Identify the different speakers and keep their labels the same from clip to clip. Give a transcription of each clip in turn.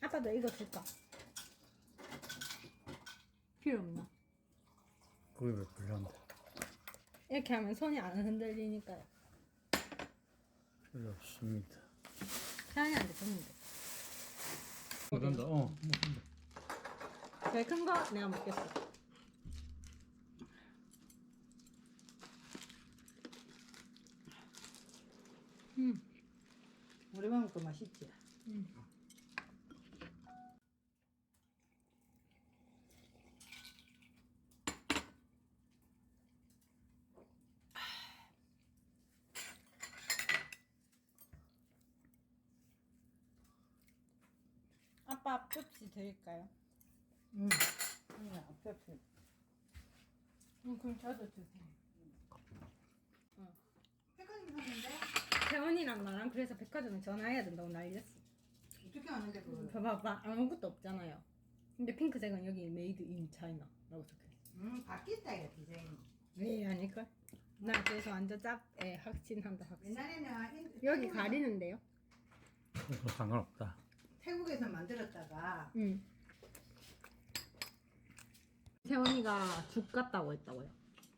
Speaker 1: 아빠도 이거 줄까? 필요 없나?
Speaker 2: 그게 왜 불량데?
Speaker 1: 이렇게 하면 손이 안 흔들리니까요.
Speaker 2: 필요 없습니다.
Speaker 1: 태연이한테 줬는데.
Speaker 2: 먹는다. 먹는다.
Speaker 1: 제일 큰 거 내가 먹겠어.
Speaker 3: 오랜만에 먹고 맛있지?
Speaker 1: 아빠 펩시 드릴까요?
Speaker 3: 응. 그냥 앞접시.
Speaker 1: 그럼 저도 주세요.
Speaker 3: 백화점 사는데?
Speaker 1: 태원이랑 나랑 그래서 백화점에 전화해야 된다고 난리였어.
Speaker 3: 어떻게 아는데 그걸?
Speaker 1: 봐봐, 아무것도 없잖아요. 근데 핑크색은 여기 메이드 인 차이나라고 적혀있어.
Speaker 3: 바뀌었다 이거 디자인이.
Speaker 1: 왜 아닐걸? 나 그래서 완전 짭에 확신한다 확신.
Speaker 3: 옛날에는
Speaker 1: 여기 가리는데요?
Speaker 2: 그거 상관없다.
Speaker 3: 태국에서 만들었다가
Speaker 1: 응. 태원이가 죽 같다고 했다고요.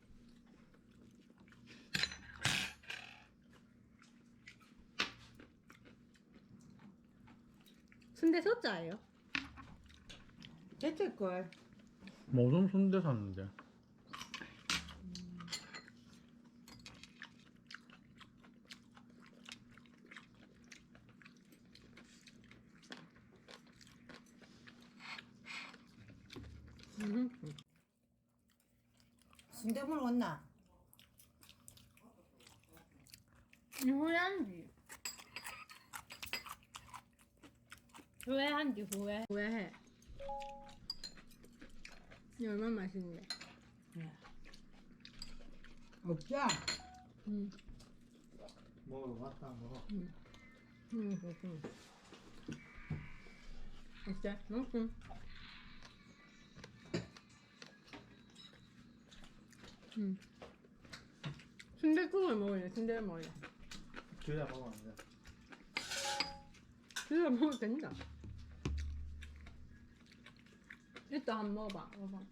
Speaker 1: 순대 소자예요?
Speaker 3: 됐을걸.
Speaker 2: 모든 순대 샀는데.
Speaker 3: 순대물 왔나?
Speaker 1: 후회한지. 후회한지 후회해. 이 얼마나 맛있는데.
Speaker 3: 없죠?
Speaker 1: 응.
Speaker 2: 먹으러 왔다 먹어.
Speaker 1: 그렇군. 어때? 맛있음. 순대국을 먹을래? 순대를 먹을래?
Speaker 2: 둘다 먹으면 안 돼.
Speaker 1: 둘다 먹어도 된다. 일단 한번 먹어봐. 먹어봐.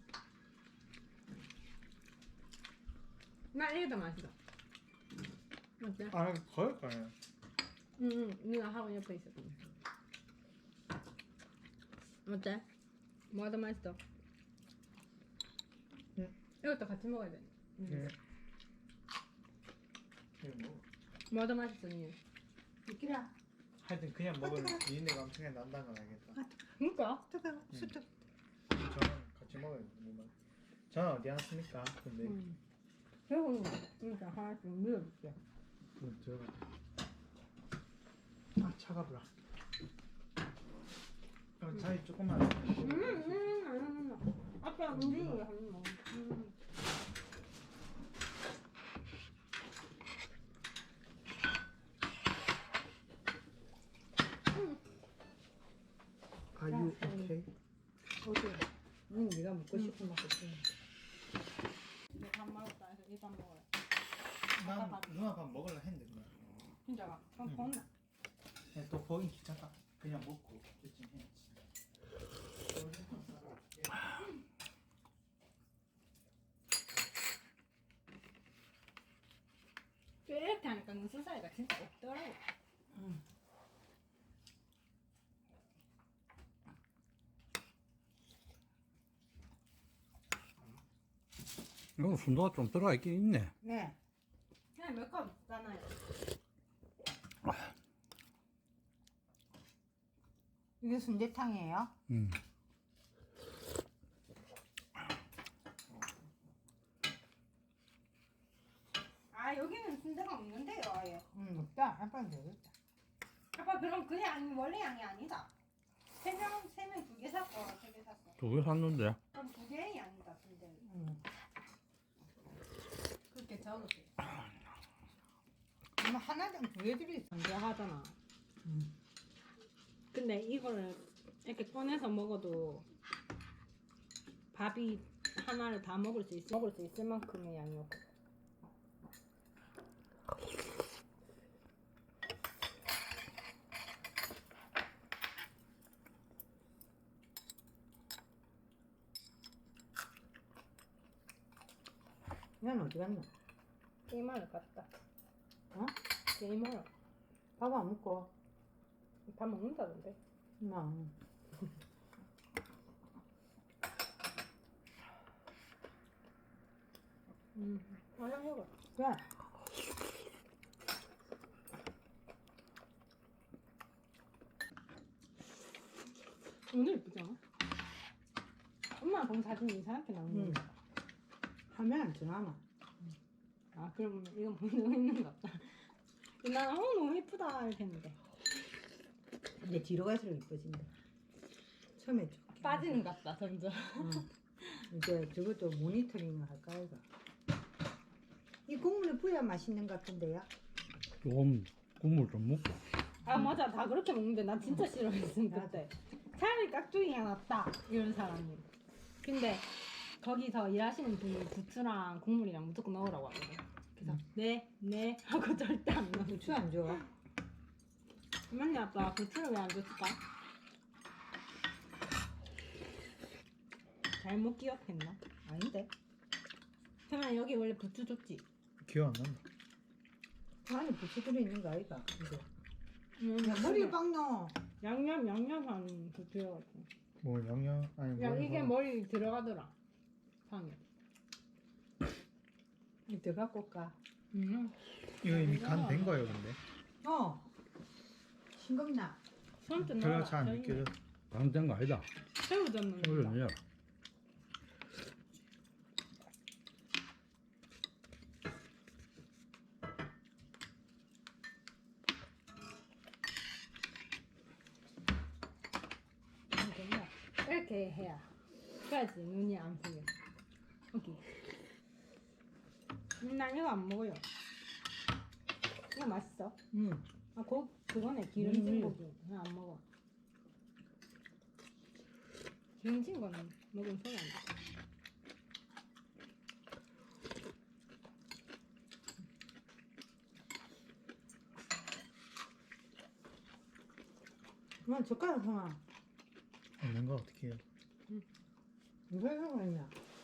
Speaker 1: 나 이게 더 맛있어. 어때?
Speaker 2: 아, 거기까지.
Speaker 1: 응, 네가 하고 옆에 있었거든. 어때? 뭐가 더 맛있어?
Speaker 2: 응.
Speaker 1: 이것도 같이 먹어야 돼.
Speaker 2: 네. 그냥 먹어.
Speaker 1: 뭐가 더 맛있어, 니?
Speaker 3: 이끼라.
Speaker 2: 하여튼 그냥 먹으면 니네가 엄청 난다는 건 알겠다.
Speaker 1: 그니까?
Speaker 3: 뜨거워. 수트.
Speaker 2: 저는 같이 먹어야 돼. 저는 어디 왔습니까? 근데
Speaker 1: 그리고 진짜 하나씩 밀어줄게.
Speaker 2: 들어가. 아 차가불아. 자기 조금만.
Speaker 1: 아빠 움직이게 하는 거.
Speaker 2: Are you okay?
Speaker 3: 어디? 응, 네가 먹고 싶은 맛 없지.
Speaker 1: 이제 밥 먹었다 해서 이밥 먹어요.
Speaker 2: 난 누나 밥 먹으려 했는데 그냥.
Speaker 1: 진짜가? 그럼 건나.
Speaker 2: 그냥 또 거긴 귀찮다. 그냥 먹고 그쯤 해야지.
Speaker 1: 이렇게 하니까 눈썹 사이가 진짜 없더라고.
Speaker 2: 이거 순도가 좀 들어가 있긴 있네.
Speaker 3: 네.
Speaker 1: 그냥 몇 컵 있잖아요.
Speaker 3: 이게 순대탕이에요?
Speaker 2: 음.
Speaker 1: 아 여기는 순대가 없는데요 아예.
Speaker 3: 없다. 아빠는 되겠다.
Speaker 1: 아빠 그럼 그 양이 원래 양이 아니다. 세 명 두 개 샀어. 세 개 샀어.
Speaker 2: 두 개 샀는데.
Speaker 1: 그럼 두 개의 양이다 순대. 그렇게 적을게.
Speaker 3: 엄마 하나당 두 개들이 있어.
Speaker 1: 순대 하잖아. 근데 이거를 이렇게 꺼내서 먹어도 밥이 하나를 다 먹을 수 있을 만큼의 양이었고.
Speaker 3: 난 어디 갔나?
Speaker 1: 게임하러 갔다.
Speaker 3: 어?
Speaker 1: 게임하러.
Speaker 3: 밥 안 먹고.
Speaker 1: 밥 먹는다던데.
Speaker 3: 나.
Speaker 1: 화장해봐.
Speaker 3: 그래.
Speaker 1: 오늘 예쁘지 않아? 엄마 본 사진이 이상하게 나오는
Speaker 3: 응.
Speaker 1: 거.
Speaker 3: 화면 안 전화나.
Speaker 1: 아 그럼 이건 본 적 있는 것 같다. 나는 너무 예쁘다 이렇게 했는데
Speaker 3: 근데 뒤로 갈수록 이뻐진다. 처음에 좀.
Speaker 1: 빠지는 것 같다 점점.
Speaker 3: 이제 저것도 모니터링을 할까 이거. 이 국물이 부야 맛있는 것 같은데요?
Speaker 4: 조금 국물 좀 먹고.
Speaker 1: 아 맞아 다 그렇게 먹는데 난 진짜 싫어했음 그때. 차라리 깍두기가 낫다 이런 사람이. 근데 거기서 일하시는 분이 부추랑 국물이랑 무조건 넣으라고 하거든. 그래서 네 하고 절대 안 넣어.
Speaker 3: 부추 안 좋아?
Speaker 1: 맞네 아빠 부추를 왜 안 줬을까? 잘못 기억했나?
Speaker 3: 아닌데.
Speaker 1: 태만 여기 원래 부추 줬지?
Speaker 2: 기억 안 난다.
Speaker 3: 안에 부추 들어있는 거 아이가? 이거. 야,
Speaker 1: 머리
Speaker 3: 머리에 빡 넣어.
Speaker 1: 양념한 부추여가지고.
Speaker 2: 뭐 양념 아니
Speaker 1: 야
Speaker 2: 뭐
Speaker 1: 이게 머리 들어가더라. 상에.
Speaker 3: 이거 들어갖고 올까?
Speaker 2: 이거 이미 간 된 거예요 근데.
Speaker 3: 싱겁나?
Speaker 1: 손좀
Speaker 2: 별로
Speaker 1: 넣어라.
Speaker 2: 잘 안 느껴져.
Speaker 4: 강된 거 아니다.
Speaker 1: 새우 잡는
Speaker 4: 이거
Speaker 1: 거.
Speaker 4: 야
Speaker 1: 이렇게 해야. 그래야지 눈이 안 보여. 여기. 난 이거 안 먹어요. 이거 맛있어.
Speaker 3: 응.
Speaker 1: 아, 그거네. 기름진 고기. 나 안 먹어. 기름진 거는 먹으면 소리 안 나.
Speaker 3: 그만 젓가락 하나.
Speaker 2: 없는 거 어떻게 해요?
Speaker 3: 누가 하고 있냐?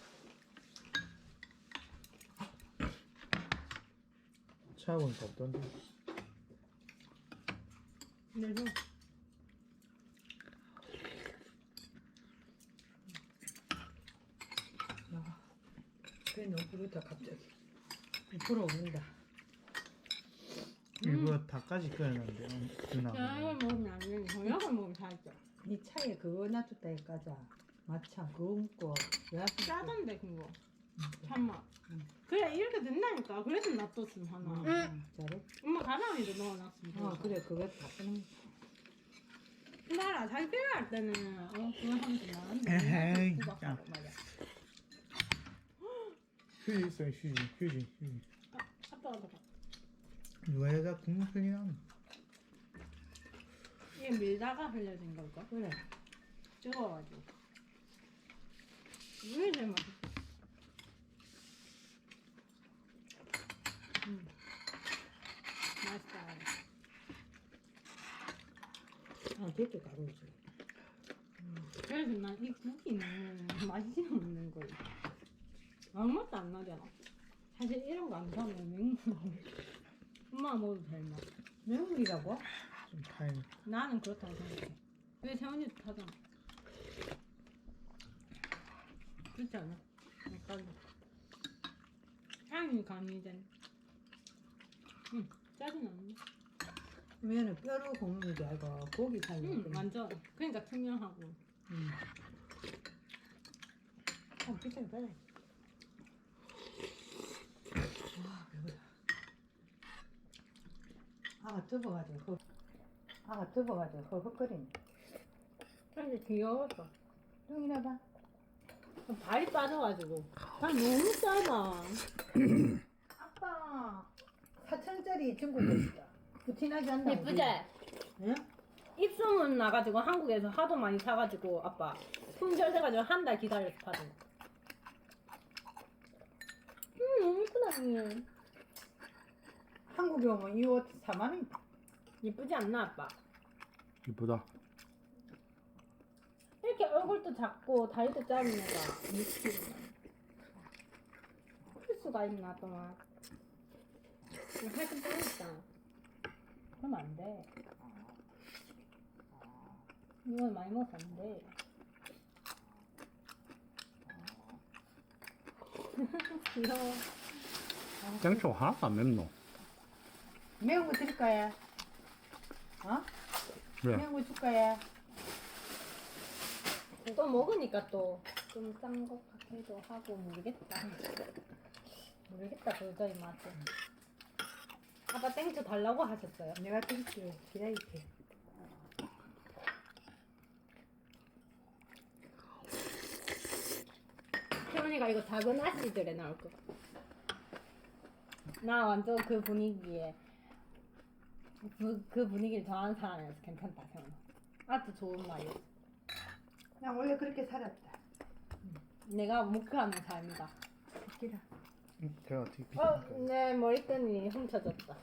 Speaker 2: 찾아보니까 없던데.
Speaker 1: 근데 좀
Speaker 3: 야, 그래 너무 부르다 갑자기. 불어오른다.
Speaker 2: 일부러 닭까지 끓여놨는데 누나.
Speaker 1: 이거 먹으면 안 돼. 저녁을 먹으면 살쪄.
Speaker 3: 네 차에 그거 놔뒀다 해가자. 마차 그거 먹고 야식
Speaker 1: 짜던데 그거. 참맛. 그래 이렇게 된다니까. 그래서 놔뒀으면 하나.
Speaker 3: 잘해.
Speaker 1: 엄마 가방에도 넣어놨으면.
Speaker 3: 그래 그거 다 쓰는.
Speaker 1: 나라 자기 필요할 때는 그거 하면 되나?
Speaker 2: 에헤이,
Speaker 1: 맞아.
Speaker 2: 휴지 있어요 휴지.
Speaker 1: 아빠가 봐.
Speaker 2: 누가 여자 국물 흘리나?
Speaker 1: 이게 밀다가 흘려진 걸까?
Speaker 3: 그래.
Speaker 1: 뜨거워가지고. 이게 제일 맛있어. 맛있다.
Speaker 3: 되게 가루지.
Speaker 1: 그래서 난 이 고기는 맛이 없는 거야. 아무 맛도 안 나잖아. 사실 이런 거 안 사면 맹물. 엄마가 먹어도 될 맛.
Speaker 3: 매운이라고?
Speaker 2: 좀 타임.
Speaker 1: 나는 그렇다고 생각해. 왜 세원이도 타잖아. 그렇지 않아? 약간 향이 강해진. 응, 짜진 않네.
Speaker 3: 면은 뼈로 굽는 게 아니고 고기 살려.
Speaker 1: 응, 완전. 그러니까 투명하고.
Speaker 3: 비싸게 빨리. 와 배고파. 아가 뜨거워가지고 헉헉거리네.
Speaker 1: 근데 귀여웠어.
Speaker 3: 뚱이나 봐.
Speaker 1: 발이 빠져가지고. 발 너무 짧아.
Speaker 3: 아빠 4,000원짜리 중국 거 있어. 부티나게 한다.
Speaker 1: 예쁘지?
Speaker 3: 응?
Speaker 1: 입소문 나가지고 한국에서 하도 많이 사가지고 아빠 품절돼가지고 한 달 기다려서 받은 거. 너무 예쁘다 언니.
Speaker 3: 한국에 오면 이 옷 4만 원.
Speaker 1: 예쁘지 않나 아빠?
Speaker 4: 이쁘다.
Speaker 1: 이렇게 얼굴도 작고 다리도 짧은 애가 6kg. 수가 있나 동안. 살좀 빼니까. 그러면 안 돼. 이걸 많이 먹어서 안 돼. 귀여워.
Speaker 4: 땡초 하나도 안 맵노.
Speaker 3: 매운 거 드릴 거야. 어?
Speaker 4: 왜?
Speaker 3: 매운 거 줄 거야.
Speaker 1: 또 먹으니까 또 좀 짠 것 같기도 하고 모르겠다. 모르겠다 도저히 맛은. 아빠 땡초 달라고 하셨어요?
Speaker 3: 내가 드릴게. 기다릴게.
Speaker 1: 태훈이가 이거 작은 아씨들에 나올 거. 나 완전 그 분위기에 그 분위기를 좋아하는 사람이라서 괜찮다 태훈아. 아주 좋은 말이야.
Speaker 3: 나 원래 그렇게 살았다.
Speaker 1: 내가 목표하는 삶이다.
Speaker 3: 기라.
Speaker 2: 제가 어떻게
Speaker 1: 내 머리끈이 훔쳐졌다.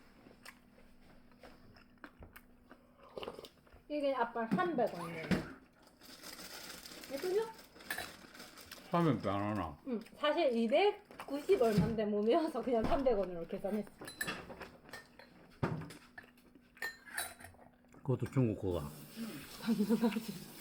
Speaker 1: 이게 아빠 300원이에요. 예쁘죠?
Speaker 4: 사면 안 하나?
Speaker 1: 응. 사실 290 얼마인데 못 외워서 그냥 300원으로 계산했어.
Speaker 4: 그것도 중국 거가.
Speaker 1: 당연하지.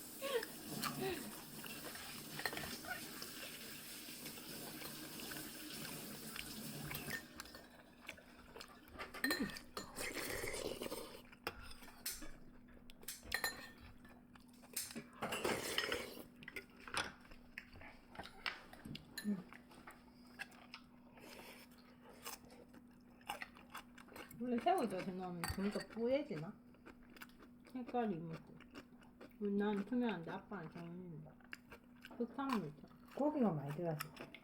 Speaker 1: 원래 새우젓 넣으면 좀 더 뿌얘지나? 색깔이 뭐 난 투명한데 아빠는 저는 흑탕물 있죠.
Speaker 3: 고기가 많이 들어갔어.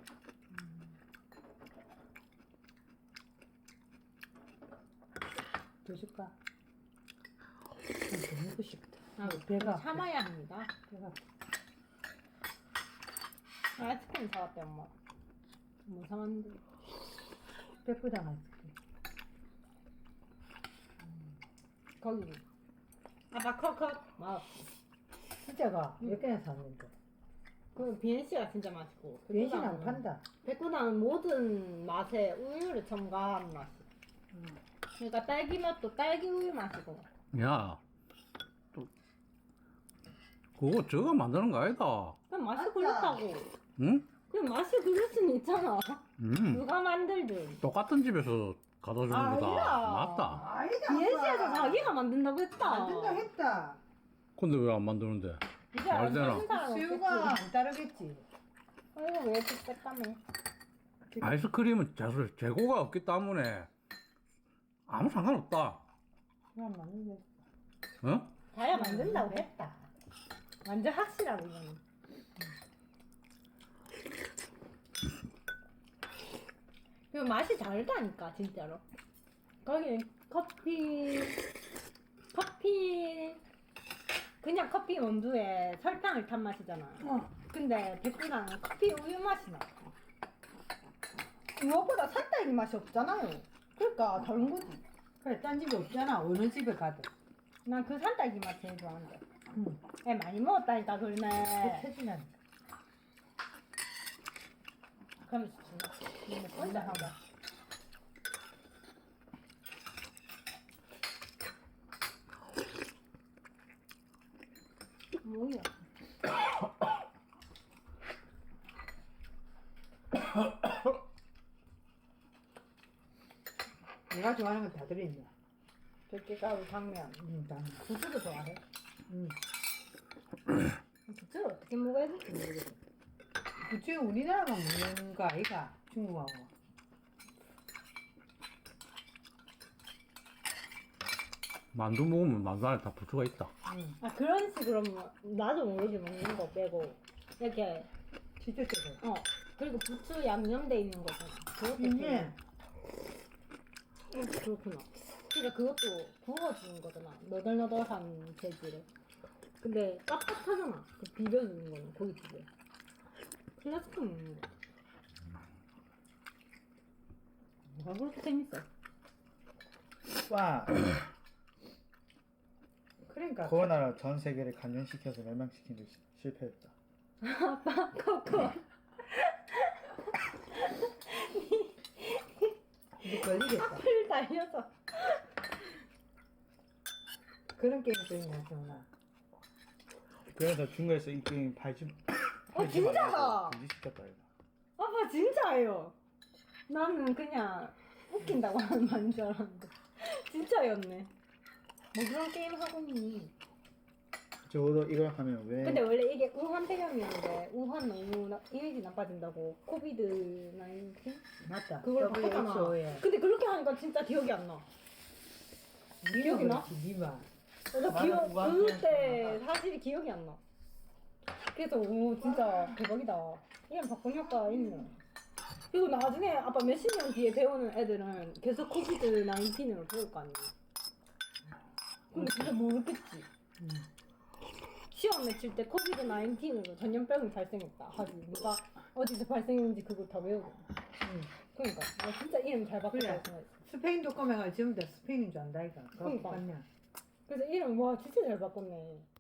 Speaker 3: 더 줄까? 더 먹고 싶다.
Speaker 1: 아,
Speaker 3: 배가
Speaker 1: 참아야 합니다.
Speaker 3: 배가
Speaker 1: 아이스크림 사왔대 엄마. 뭐 사왔는데?
Speaker 3: 배부당 아이스크림.
Speaker 1: 거기 아빠 컵컵 막
Speaker 3: 진짜가 몇 개나 샀는데.
Speaker 1: 그 비엔씨가 진짜 맛있고
Speaker 3: 原신 안 판다.
Speaker 1: 백구당은 모든 맛에 우유를 첨가한 맛이. 그러니까 딸기 맛도 딸기 우유 맛이고.
Speaker 4: 야, 또 그거 저거 만드는 거 아니다.
Speaker 1: 그냥 맛이
Speaker 3: 맞다.
Speaker 1: 그렇다고.
Speaker 4: 응?
Speaker 1: 그냥 맛이 그럴 수는 있잖아. 누가 만들든.
Speaker 4: 똑같은 집에서 가다 주는 거다.
Speaker 1: 아니야.
Speaker 4: 맞다.
Speaker 3: 아니다.
Speaker 1: 비엔씨에서 자기가 만든다고 했다.
Speaker 3: 만든다 했다.
Speaker 4: 근데 왜 안 만드는데?
Speaker 1: 이제
Speaker 4: 말 되나?
Speaker 1: 아는 사람
Speaker 3: 수유가
Speaker 1: 없겠지.
Speaker 3: 안 따르겠지.
Speaker 1: 아이고 왜 이렇게 뺐다며.
Speaker 4: 아이스크림은 재고가 없기 때문에 아무 상관없다.
Speaker 3: 그냥 맞는데.
Speaker 4: 어?
Speaker 1: 자기가 만든다고 했다. 완전 확실하고 이거는. 그 맛이 다르다니까 진짜로. 거기 커피 그냥 커피 원두에 설탕을 탄 맛이잖아. 근데 백두랑은 커피 우유 맛이 나. 이거보다 산딸기 맛이 없잖아요. 그러니까 다른 거지.
Speaker 3: 그래, 딴 집에 없잖아. 어느 집에 가든.
Speaker 1: 난 그 산딸기 맛 제일 좋아하는데.
Speaker 3: 응.
Speaker 1: 애 많이 먹었다니까 그러네.
Speaker 3: 해주냐니까.
Speaker 1: 그럼 진짜 꼰대 하자. 뭐야?
Speaker 3: 내가 좋아하는 건 다 들어있네.
Speaker 1: 들깨가루 당면.
Speaker 3: 다.
Speaker 1: 부추도 좋아해?
Speaker 3: 응.
Speaker 1: 부추를 어떻게 먹어야 될지 모르겠어.
Speaker 3: 부추 우리나라만 먹는 거 아이가? 중국하고.
Speaker 4: 만두 먹으면 만두 안에 다 부추가 있다.
Speaker 3: 응.
Speaker 1: 아 그런 식으로 나도 모르게 먹는 거 빼고 이렇게
Speaker 3: 진짜 뜨거.
Speaker 1: 그리고 부추 양념돼 있는 거잖아. 그것도
Speaker 3: 이게
Speaker 1: 그렇구나. 그러니까 그것도 구워주는 거잖아. 너덜너덜한 재질을. 근데 깝깝하잖아. 그 비벼주는 거는 고기 비벼. 플라스틱 먹는 거. 뭐가 그렇게 재밌어?
Speaker 2: 와
Speaker 3: 그러니까
Speaker 2: 코로나로 전 세계를 감염시켜서 멸망시킨 데 실패했다.
Speaker 1: 아빠 코코.
Speaker 3: 이거 걸리겠다.
Speaker 1: 풀 달려서.
Speaker 3: 그런 게임도 있냐, 정말.
Speaker 2: 그래서 중국에서 이 게임 팔지
Speaker 1: 진짜다.
Speaker 2: 금지시켰다 이거.
Speaker 1: 아빠 진짜예요. 나는 그냥 웃긴다고 하는 말인 줄 알았는데 진짜였네. 뭐 그런 게임 하고 있니?
Speaker 2: 적어도 이걸 하면 왜
Speaker 1: 근데 원래 이게 우한 폐렴이었는데 우한 너무 이미지 나빠진다고 코비드 19?
Speaker 3: 맞다.
Speaker 1: 그걸 바꿨잖아.
Speaker 3: WHO에.
Speaker 1: 근데 그렇게 하니까 진짜 기억이 안 나. 기억이 나?
Speaker 3: 니마.
Speaker 1: 나
Speaker 2: 맞아,
Speaker 1: 기억
Speaker 2: 우한
Speaker 1: 그때 사실이 기억이 안 나. 그래서 오 진짜 대박이다. 이런 바꾼 효과 있네. 그리고 나중에 아빠 몇십 년 뒤에 배우는 애들은 계속 코비드 19으로 배울 거 아니야. 근데 진짜 모르겠지. 시험 맺힐 때 코비드 19으로 전염병이 발생했다 하지 누가 어디서 발생했는지 그걸 다 외우고. 그러니까 나 진짜 이름 잘 바꿨다고
Speaker 3: 그래.
Speaker 1: 생각했어.
Speaker 3: 스페인 독감에가 전부 다 스페인인 줄 안다, 이가.
Speaker 1: 그러니까.
Speaker 3: 맞냐?
Speaker 1: 그래서 이름 와 진짜 잘 바꿨네.